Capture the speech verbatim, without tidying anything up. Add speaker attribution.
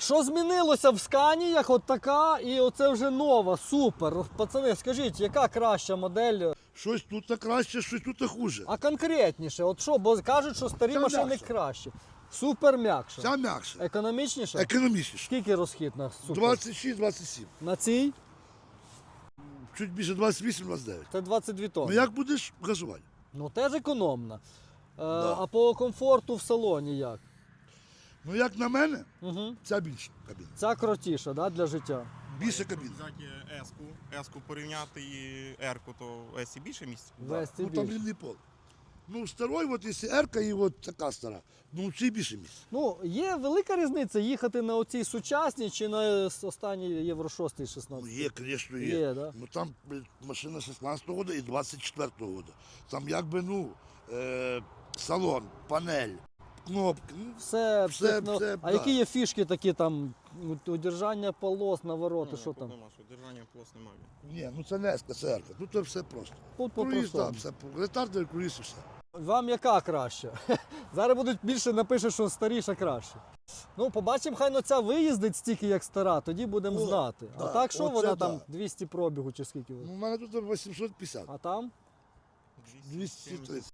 Speaker 1: Що змінилося в Сканіях, от така, і оце вже нова, супер. Пацани, скажіть, яка краща модель?
Speaker 2: Щось тут краще, щось тут хуже.
Speaker 1: А конкретніше, от що, бо кажуть, що старі
Speaker 2: Ця
Speaker 1: машини
Speaker 2: м'якша.
Speaker 1: краще. Супер м'якше.
Speaker 2: Ця м'якше.
Speaker 1: Економічніше?
Speaker 2: Економічніше.
Speaker 1: Скільки розхід на супер?
Speaker 2: двадцять шість - двадцять сім.
Speaker 1: На цій?
Speaker 2: Чуть більше двадцять вісім - двадцять дев'ять.
Speaker 1: Це двадцять дві
Speaker 2: Ну
Speaker 1: тонни.
Speaker 2: як будеш газувати?
Speaker 1: Ну теж економно. Е,
Speaker 2: Да.
Speaker 1: А по комфорту в салоні як?
Speaker 2: Ну як на мене,
Speaker 1: Угу.
Speaker 2: ця більша кабіна.
Speaker 1: Ця крутіша, да, для життя.
Speaker 2: Більша кабіна.
Speaker 3: Взяти С-ку, С-ку порівняти і Р-ку, то в С більше місця?
Speaker 1: В С
Speaker 2: Ну там
Speaker 1: більше.
Speaker 2: рівний пол. Ну старой, от якщо Ерка і от така стара, ну в цій більше місця.
Speaker 1: Ну, є велика різниця їхати на оцій сучасній чи на останній Євро шість
Speaker 2: Ну
Speaker 1: шістнадцять.
Speaker 2: є, звісно, є.
Speaker 1: Є, да?
Speaker 2: Ну там блядь, машина шістнадцятого року і двадцять четвертого року. Там якби, ну, е, салон, панель, кнопки. Ну,
Speaker 1: Все,
Speaker 2: Все,
Speaker 1: техно-
Speaker 2: все,
Speaker 1: А
Speaker 2: да.
Speaker 1: які є фішки такі там, у- удержання полос, навороти, що там?
Speaker 3: Нема, що держання полос немає.
Speaker 2: ні, ну це не Еска, це Ерка. Тут це все просто.
Speaker 1: Тут
Speaker 2: Круїз,
Speaker 1: по-простому.
Speaker 2: так, все, по- ретардер, круїз і все.
Speaker 1: Вам яка краща? Зараз будуть більше напишуть, що старіша краще. Ну, побачимо, хай ну ця виїздить стільки, як стара, тоді будемо
Speaker 2: О,
Speaker 1: знати. А
Speaker 2: да,
Speaker 1: так що
Speaker 2: оце
Speaker 1: вона
Speaker 2: да.
Speaker 1: там двісті пробігу чи скільки?
Speaker 2: Ну, у мене тут вісімсот п'ятдесят.
Speaker 1: А там?
Speaker 2: двісті тридцять.